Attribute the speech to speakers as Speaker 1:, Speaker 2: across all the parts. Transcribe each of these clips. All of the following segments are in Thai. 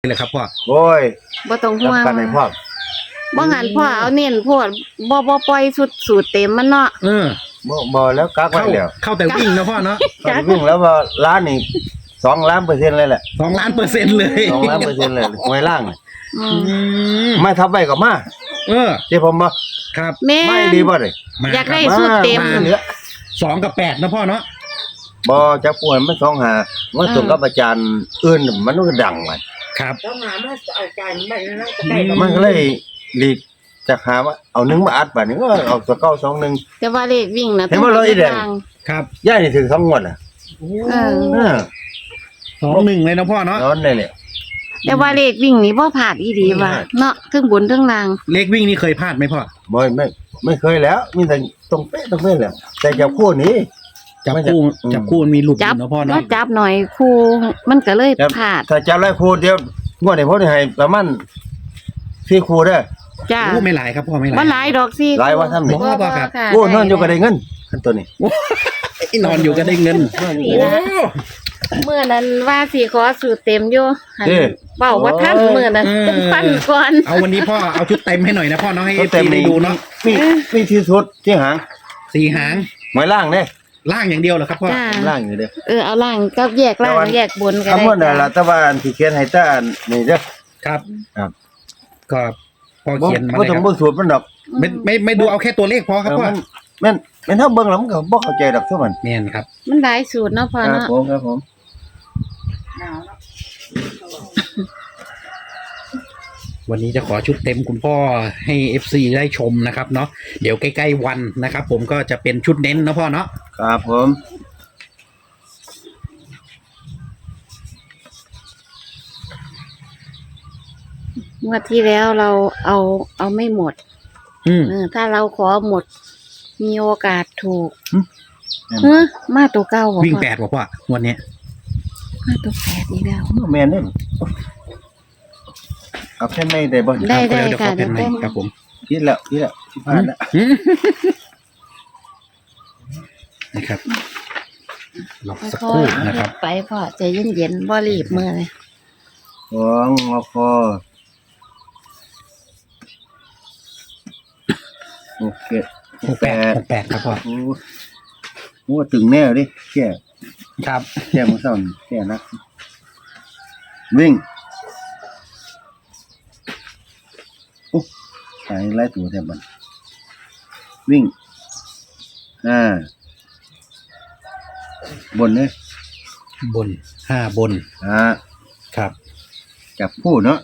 Speaker 1: เลยครับพ่อ
Speaker 2: โอ้ย
Speaker 3: บ่ต้องห่วง
Speaker 2: กันในพ่อ
Speaker 3: บ่งั้นพ่อเอาเน้นโพดบ่ปล่อยชุดสูตรเต็มมันเนาะ
Speaker 2: บ่แล้วกักไว้แล้ว
Speaker 1: เข้าแต่วิ่งนะพ่อเนาะ
Speaker 2: วิ่งแล้วว่าล้านนี่2,000,000%เลยแหละ
Speaker 1: 2,000,000%เลย
Speaker 2: 2,000,000%เลยหวยล่างไม่ทับไว้ก็มาที่ผมบ่
Speaker 1: ครับ
Speaker 2: ไม่ดีบ่เลย
Speaker 3: อยากได้ชุดเต็ม
Speaker 1: 2 กับ 8นะพ่อเนาะ
Speaker 2: บ่จักป่วยมัน2หาว่าตรงกับอาจารย์อื่นมันก็ดังไว้
Speaker 1: ครับ
Speaker 4: 2หามาอาจารย์
Speaker 2: มันก็เลยหลีกจะหาว่าเอา1มาอัดบัดนี้ก็เอาตัวเก่า21
Speaker 3: แต่ว่าเลขวิ่งน่ะ
Speaker 2: เห็นบ่เลยอีแดง
Speaker 1: ครับ
Speaker 2: ย่านี่ถึง2งวดน่ะ
Speaker 1: 2-1เลยนะพ่อเนาะ
Speaker 2: นอนได้เลย
Speaker 3: แต่ว่าเลขวิ่งนี่บ่พลาดอีดีว่ะเนาะทั้งบนทั้งล่าง
Speaker 1: เลขวิ่งนี่เคยพลาดไหมพ่อ
Speaker 2: ไม่เคยแล้วมีแต่ตรงเป๊ะแหละแต่จับคู่นี้
Speaker 1: จับคู่มันมีหลุดอยู่นะพ่อเนาะ
Speaker 3: จับหน่อยคู่มันก็เลยพลาด
Speaker 2: ถ้าจับหลายคู่เดียวงวดนี้ผมให้ประมาณ4คู่เด้อ
Speaker 3: จ้า
Speaker 1: ไม่หลายครับพ่อไม่หลาย
Speaker 3: บ่หลายดอกสิ
Speaker 2: หลายว่าทำนี่
Speaker 1: บ่ครับ
Speaker 2: โอ้นอนอยู่ก็ได้เงินคันตัวนี้
Speaker 1: นอนอยู่ก็ได้เงิน
Speaker 3: เมื่อนั้นว่าสิขอสูตรเต็มอยู่เว้าว่าทันมื้อนั้นต้องฟันก่อน
Speaker 1: เอาวันนี้พ่อเอาชุดเต็มให้หน่อยนะพ่อเนาะให้ FC ได้ดูเนาะ
Speaker 2: มีที่สุดที่หาง
Speaker 1: 4 หาง
Speaker 2: หมายล่างเด้
Speaker 1: ล่างอย่างเดียวเหรอครับพ่อ
Speaker 2: ล่างอยู่เด้อ
Speaker 3: เอาล่างก็แยกล่างแยกบนก็ได้
Speaker 2: คำว่านั่นล่ะตะวันที่เขียนให้ตานี่เด้อ
Speaker 1: ครับก็พอเขียนมา
Speaker 2: บ่ต้องเบิ่งสูตรมันดอก
Speaker 1: ไม่ดูเอาแค่ตัวเลขพอครับพ่อ
Speaker 2: แม่นเฮาเบิ่งแล้วมันก็บ่เข้าใจดอกซุมัน
Speaker 1: แม่นครับ
Speaker 3: มันหลายสูตรเนาะพ่อเนาะ
Speaker 2: ครับผม
Speaker 1: วันนี้จะขอชุดเต็มคุณพ่อให้ FC ได้ชมนะครับเนาะเดี๋ยวใกล้ๆวันนะครับผมก็จะเป็นชุดเน้นนะพ่อเนาะ
Speaker 2: ครับผม
Speaker 3: งวดที่แล้วเราเอาไม่หมดถ้าเราขอหมดมีโอกาสถูกมาตัวเก้า
Speaker 1: วิ่ง8บ่พ่อวันนี้
Speaker 3: มาตัว8อีกแล้ว
Speaker 2: แม่นเด้อเอาแค่ไม่ได้บ่
Speaker 3: ได้ค่ะ
Speaker 1: ได้ครับผม
Speaker 2: คิดแล้วที่ผ่านแล้ว
Speaker 1: นะครับรอสักครู่นะครับ
Speaker 3: ไปพ่อใจเย็นๆบ่รีบมื้อเลย
Speaker 2: งอคอโอเค
Speaker 1: 68ครับพ่อ
Speaker 2: โอ้ตึงแน่ดิแก่
Speaker 1: ครับ
Speaker 2: แก่มื้อเช้านี่แก่นะวิ่งใส่ไล่ตัวแทบมันวิ่งบนเนี่ย
Speaker 1: บน5บนครับ
Speaker 2: จับคู่เนาะ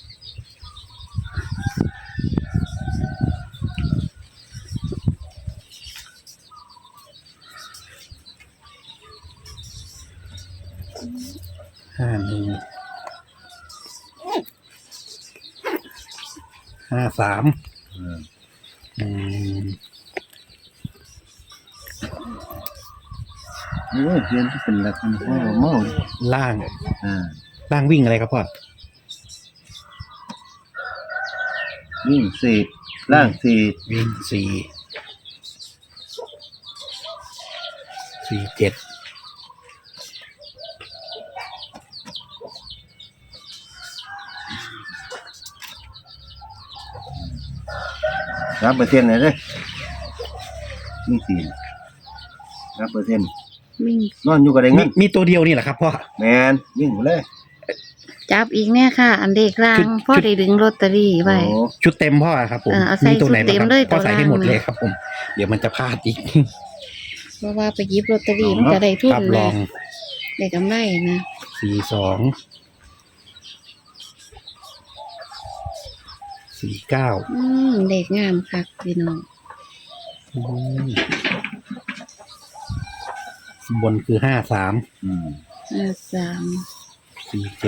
Speaker 1: 51 53
Speaker 2: เรียนที่เป็นหลักมันพ่อเมา
Speaker 1: ล่างวิ่งอะไรครับพ่อ
Speaker 2: วิ่ง4ล่าง4
Speaker 1: วิ่ง4 7
Speaker 2: 3%เลยเด้อวิ่ง3%
Speaker 3: วิ่ง
Speaker 2: นอนอยู่ก็ได้เงิน
Speaker 1: มีตัวเดียวนี่แหละครับพ่อ
Speaker 2: แม่นวิ่งไปเลย
Speaker 3: จับอีกแน่ค่ะอันเด็กล่างพ่อได้ดึงลอตเตอรี่ไว้
Speaker 1: ชุดเต็มพ่อครับผม
Speaker 3: มีตัวไหนบ้าง
Speaker 1: พ่อใส่ให้หมดเลยครับผมเดี๋ยวมันจะพลาดอีก
Speaker 3: เพราะว่าไปหยิบลอตเตอรี่มันจะได้ทุนนะได้กำไรนะ
Speaker 1: 42 49
Speaker 3: เด็กงามค่ะพี่น้อง
Speaker 1: บนคือ53 47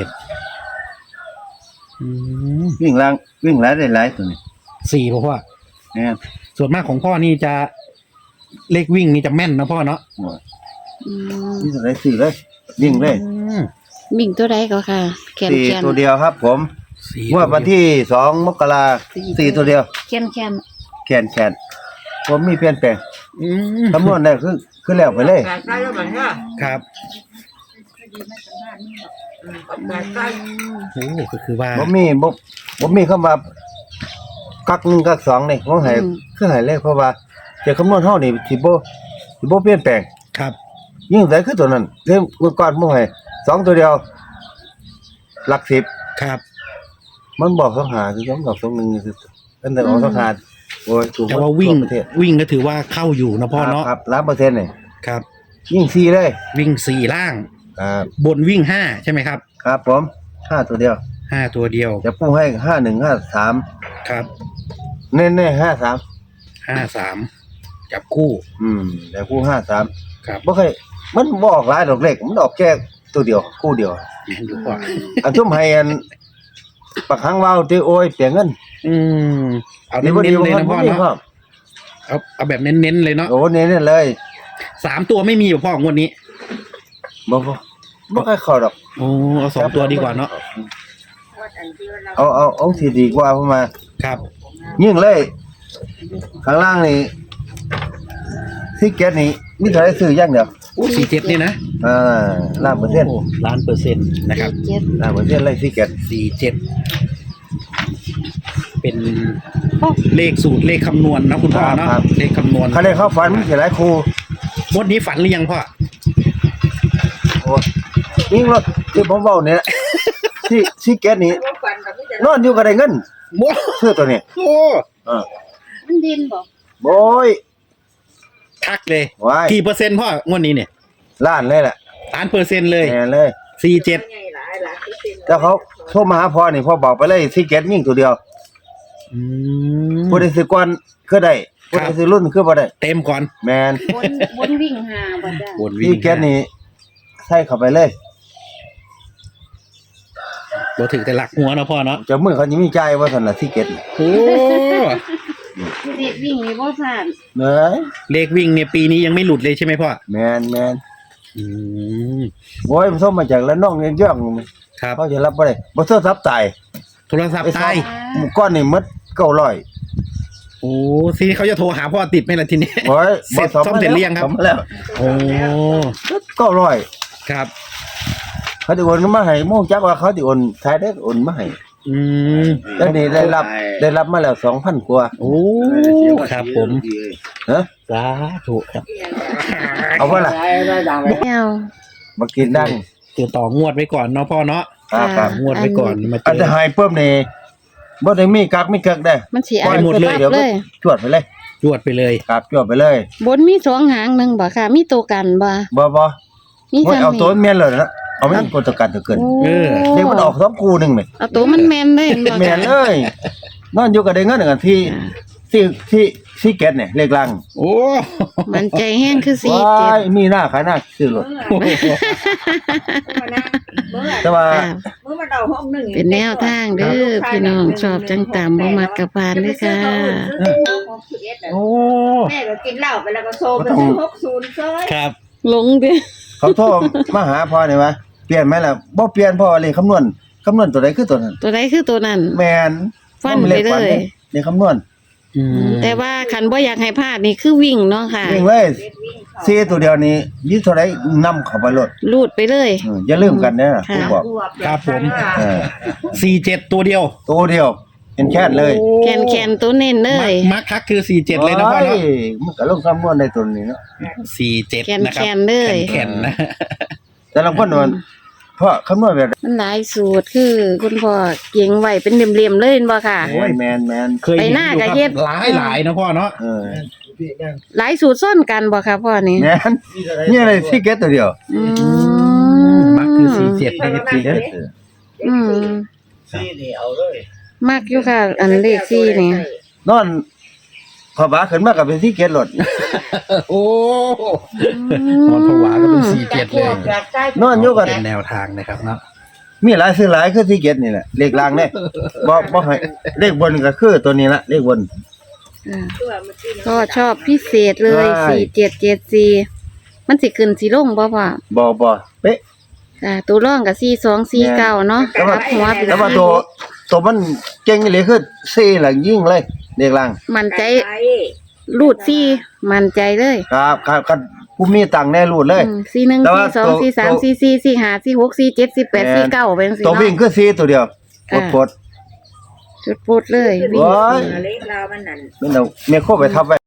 Speaker 2: วิ่งล่างวิ่งหลายได้หลายตัว
Speaker 1: นี้4พ่อ
Speaker 2: เนี่ย
Speaker 1: ส่วนมากของพ่อนี่จะเลขวิ่งนี่จะแม่นนะพ่อเนาะ
Speaker 2: นี่ตัวไหน4เลยวิ่งเลย
Speaker 3: วิ่งตัวใดก็ค่ะแขน
Speaker 2: ตัวเดียวครับผมเมื่อวันที่2 มกราคม4ตัวเดียว
Speaker 3: แข
Speaker 2: นผมมีเปลี่ยนแปลงคำนวณได้คือแล้วไปเลย
Speaker 1: ครับโอ้ก็คือว่า
Speaker 2: บ่มีคำว่ากักหนึ่งกักสองนี่ของให้คือให้เลขเพราะว่าจะคำนวณเฮานี่สิบ่เปลี่ยนแปลง
Speaker 1: ครับ
Speaker 2: ยิ่งใส่คือตัวนั้นเรื่องก่อนบ่ให้2ตัวเดียวหลัก10
Speaker 1: ครับ
Speaker 2: มันบอก2หาคือมันบอก2 1คืออันนั้นออก2หาโอ้ยถูก
Speaker 1: แต่ว่าวิ่ง
Speaker 2: ทั่ประเทศ
Speaker 1: วิ่งก็ถือว่าเข้าอยู่นะพ่อเนาะ
Speaker 2: ครับ100%นี่
Speaker 1: ครับ
Speaker 2: ยิ่ง4เลย
Speaker 1: วิ่งสี่ล่าง
Speaker 2: ครับ
Speaker 1: บนวิ่งห้าใช่ไหมครับ
Speaker 2: ครับผม5ตัวเดียว
Speaker 1: ห้าตัวเดียว
Speaker 2: จะปูให้5153
Speaker 1: ครับ
Speaker 2: แน่ๆ53
Speaker 1: 53จับคู่
Speaker 2: แต่ปู53
Speaker 1: ครับ
Speaker 2: บ่เคยมันบ่ออกหลายดอกเลขมันออกแค่ตัวเดียวคู่เดียว
Speaker 1: แม่นอยู่พ่อ
Speaker 2: อันซุ่มให้อันปักหังว่าวที่โอ้ยเสียเงิน
Speaker 1: เอาเน้นๆเลยนะพ่อเนาะเอาแบบเน้นๆเลยเนาะ
Speaker 2: โอ้เน้นๆเลย
Speaker 1: 3ตัวไม่มีอยู่พ่องวดนี้
Speaker 2: บ่ค่อยเข้าดอก
Speaker 1: โอ้เอา2ตัวดีกว่าเนาะ
Speaker 2: เอาสิดีกว่าเพราะมา
Speaker 1: ครับ
Speaker 2: ยิ่งเลย ข้างล่างนี่ที่แก๊สนี่มีเท่าไหร่ซื้ออย่างเดียว
Speaker 1: 47นี่นะ
Speaker 2: ล้านเปอร์เซ็นต์
Speaker 1: โอ้ล้านเปอร์เซ็นต์นะครับ
Speaker 3: เจ็ด
Speaker 2: ล้านเปอร์เซ็นต์เลยที่แก๊ส
Speaker 1: 47เป็นเลขสูตรเลขคำนวณนะคุณพ่อเนาะเลขคำนวณ
Speaker 2: เขาเลยเข้าฝันมีหลายครู
Speaker 1: งวดนี้ฝันหรือยังพ่อ
Speaker 2: โอ้ยิ่งรถที่ผมเว้าเนี่ยที่แก๊สนี่นอนอยู่ก็ได้เงิน
Speaker 1: โอ้
Speaker 2: ซื้อตัวนี้
Speaker 1: โอ้
Speaker 3: มันดินบ่
Speaker 2: โอ้ย
Speaker 1: ทักเลย
Speaker 2: ว้าย
Speaker 1: กี่เปอร์เซ็นต์พ่องวดนี้เนี่ย
Speaker 2: ล้านเลยแหละ
Speaker 1: ล้านเปอร์เซ็นต์เลย
Speaker 2: แน่เลย
Speaker 1: 47
Speaker 2: แล้วเขาโทรมาหาพ่อนี่พ่อบอกไปเลยที่แก๊สยิ่งตัวเดียว ผู้ใดสิก่อนคือได้ผู้ใดสิรุ่นคือบ่ได้
Speaker 1: เต็มก่อน
Speaker 2: แมน
Speaker 3: บนวิ่งหาบ่จ้ะ
Speaker 1: บนวิ่ง
Speaker 2: ที่แก๊สนี่ใส่เข้าไปเลย
Speaker 1: บ่ถึงแต่หลักหัวนะพ่อเนาะ
Speaker 2: เจะมือเขายังมีใจายว่าซั่นน่ะที่แก๊สนี่
Speaker 1: โอ้
Speaker 3: เด็กวิ่งนี่บ่ผ่าน
Speaker 2: เน้ย
Speaker 1: เลขวิ่งเนี่ยปีนี้ยังไม่หลุดเลยใช่ไหมพ่อ
Speaker 2: แมน
Speaker 1: อืม
Speaker 2: โอ้ยมันส่งมาจากละน้องย่องๆ
Speaker 1: ครับ
Speaker 2: เขาจะรับบ่ได้บ่โทรศัพท์ตาย
Speaker 1: โทรศัพท์ตาย
Speaker 2: หมู่ก้อนนี่หมด900
Speaker 1: โอ้ทีนี้เขาจะโทรหาพ่อติดไหมล่ะทีนี้
Speaker 2: โอ้ย
Speaker 1: เสร็จซ่อมเสร็จหรือยังครับ
Speaker 2: ซ่อมแล้ว
Speaker 1: โอ้
Speaker 2: 900
Speaker 1: ครับ
Speaker 2: เขาสิโอนมาให้โมงจักว่าเขาสิโอนท้ายได้โอนมาให้
Speaker 1: อืม
Speaker 2: แล้วนี่ได้รับมาแล้ว 2,000 กว่า
Speaker 1: โอ้ครับผม
Speaker 2: ฮะ
Speaker 1: สาธุครับ
Speaker 2: เอาบ่ล่ะ
Speaker 3: แมว
Speaker 2: มากินดัง
Speaker 1: เดี๋ยวต่องวดไว้ก่อนเนาะพ่อเนาะ
Speaker 2: ครับ
Speaker 1: งวดไว้ก่อนมาเจ
Speaker 2: อัน
Speaker 1: อ
Speaker 2: จะหายปุ๊บนี่บ่ได้มีกักมีเกิกได้
Speaker 3: มันสิ
Speaker 1: ปล่อยหมดเลย
Speaker 2: เดี๋ยว
Speaker 3: เลย
Speaker 2: จวดไปเลย
Speaker 1: จวดไปเลย
Speaker 2: ครับจวดไปเลย
Speaker 3: บนมี2หางหนึงบ่ค่ะ มีตัวกันบ่
Speaker 2: บ่
Speaker 3: มี
Speaker 2: โอ้ย
Speaker 3: ทาง
Speaker 2: เอาตัว
Speaker 3: นี้
Speaker 2: แม่นเลยนะเอาไม่กดตะกันตะเกิน
Speaker 3: โอ้
Speaker 2: เดี๋ยวมันออก2คู่นึงนี่
Speaker 3: เอาตัวมันแม่นเลยบ่
Speaker 2: แม่นเลยนอนอยู่ก็ได้เงินกันที่แก๊สเนี่ยเลขลัง
Speaker 1: โอ้
Speaker 3: มันใจแห้งคือ
Speaker 2: ว้ายมีหน้าขายหน้าซื้อรถแต่ว่า
Speaker 3: 47เป็นแนวทางเด้อพี่น้องชอบจังตามบ่มักกะพานเด้อค่ะ
Speaker 1: โอ้
Speaker 4: แม่ก็กินเหล้าไปแล้วก็โซไปซื้อ60ซ้อย
Speaker 1: ครับ
Speaker 3: หลงเด้อ
Speaker 2: เขาโทรมาหาพ่อนี่ว่าเปลี่ยนไหมล่ะบ่เปลี่ยนพ่อเลยคำนวณตัวใดคือตัวนั้น
Speaker 3: ตัวใดคือตัวนั้น
Speaker 2: แม่น
Speaker 3: ฟันไปเลย
Speaker 2: เลขคำนวณ
Speaker 1: อืม
Speaker 3: แต่ว่าคันบ่อยากให้พลาดนี่คือวิ่งเนาะค่ะ
Speaker 2: วิ่งเลยซีตัวเดียวนี้ยี่เท่าไรนำเข้าไปรถ
Speaker 3: ลูดไปเลย
Speaker 2: อย่าลืมกันนะผมบอก
Speaker 1: ครับผม
Speaker 2: เออ
Speaker 1: 47ตัวเดียว
Speaker 2: ตัวเดียวเป็นแค่เลย
Speaker 3: แคนตัวเน้นเลย
Speaker 1: มักคักคือ47เลยนะพ่อเนาะ
Speaker 2: โยมันก็ลงคำนวณในตัวนี้เนาะ
Speaker 1: 47นะครับ
Speaker 3: แคนเลย
Speaker 1: แข็งๆนะ
Speaker 2: แต่ละคนมันเพราะคำนวณแบบ
Speaker 3: มันหลายสูตรคือคุณพ่อเก่งไว้เป็นเหลี่ยมๆเลยเห็นบ่ค่ะ
Speaker 2: โอ้ยแมน
Speaker 1: เคย
Speaker 3: ไปหน้ากับเฮ็ด
Speaker 1: หลายนะพ่อเนาะ
Speaker 2: เออ
Speaker 3: หลายสูตรซ่อนกันบ่ค่ะพ่อนี่
Speaker 2: แมนนี่อะไรที่เก็ตตัวเดียว
Speaker 3: อื
Speaker 1: มักคือ47นะทีเด้อ
Speaker 3: อืม
Speaker 5: ซี่นี่เอาเลย
Speaker 3: มักอยู่ค่ะ อันเลข4นี่
Speaker 2: นอนขอบาขึ้นมากับเป็นที่เก็ตรถ
Speaker 1: โอ้นอนผวาก็เป็น47เลย
Speaker 2: นอนอยู่กัน
Speaker 1: เป็นแนวทางนะครับเนาะ
Speaker 2: มีหลายซื้อหลายคือที่เก็ตนี่แหละเลขล่างเนี่ยบ่ให้เลขบนก็คือตัวนี้ละเลขบน
Speaker 3: อ่าก็ชอบพิเศษเลย
Speaker 2: ใช่
Speaker 3: 4774มันสิขึ้นสิลงบ่พ่อ
Speaker 2: บ่เป๊ะ
Speaker 3: ค่ะตัวร่องกับ4249เนาะ
Speaker 2: แต่ว่า
Speaker 3: ครับหัวเป็น
Speaker 2: แต่ว่าตัวมันเก่งเลยคือซีหลังยิ่งเลยเลขล่าง
Speaker 3: มันใจรูดซี่มั่นใจเลย
Speaker 2: ครับผู้มีตังค์แน่รูดเลย
Speaker 3: สี่หนึ่ง
Speaker 2: แต่
Speaker 3: สี่
Speaker 2: ว่า
Speaker 3: สอง
Speaker 2: ตัว
Speaker 3: สี่สาม
Speaker 2: ตัว
Speaker 3: สี่สี่สี่ห้าสี่หกสี่เจ็ดสี่แปด
Speaker 2: แม่น
Speaker 3: สี่เก้าเป็นสี่
Speaker 2: ตัววิ่ง
Speaker 3: เนาะ
Speaker 2: คือ4ตัวเดียว
Speaker 3: ค่ะ
Speaker 2: ปด
Speaker 3: จุดปุดเลยวิ่ง
Speaker 2: โอ้ย
Speaker 4: เล็กเรามันนั่น
Speaker 2: ๆมันเอาแม่โคไปทับไว้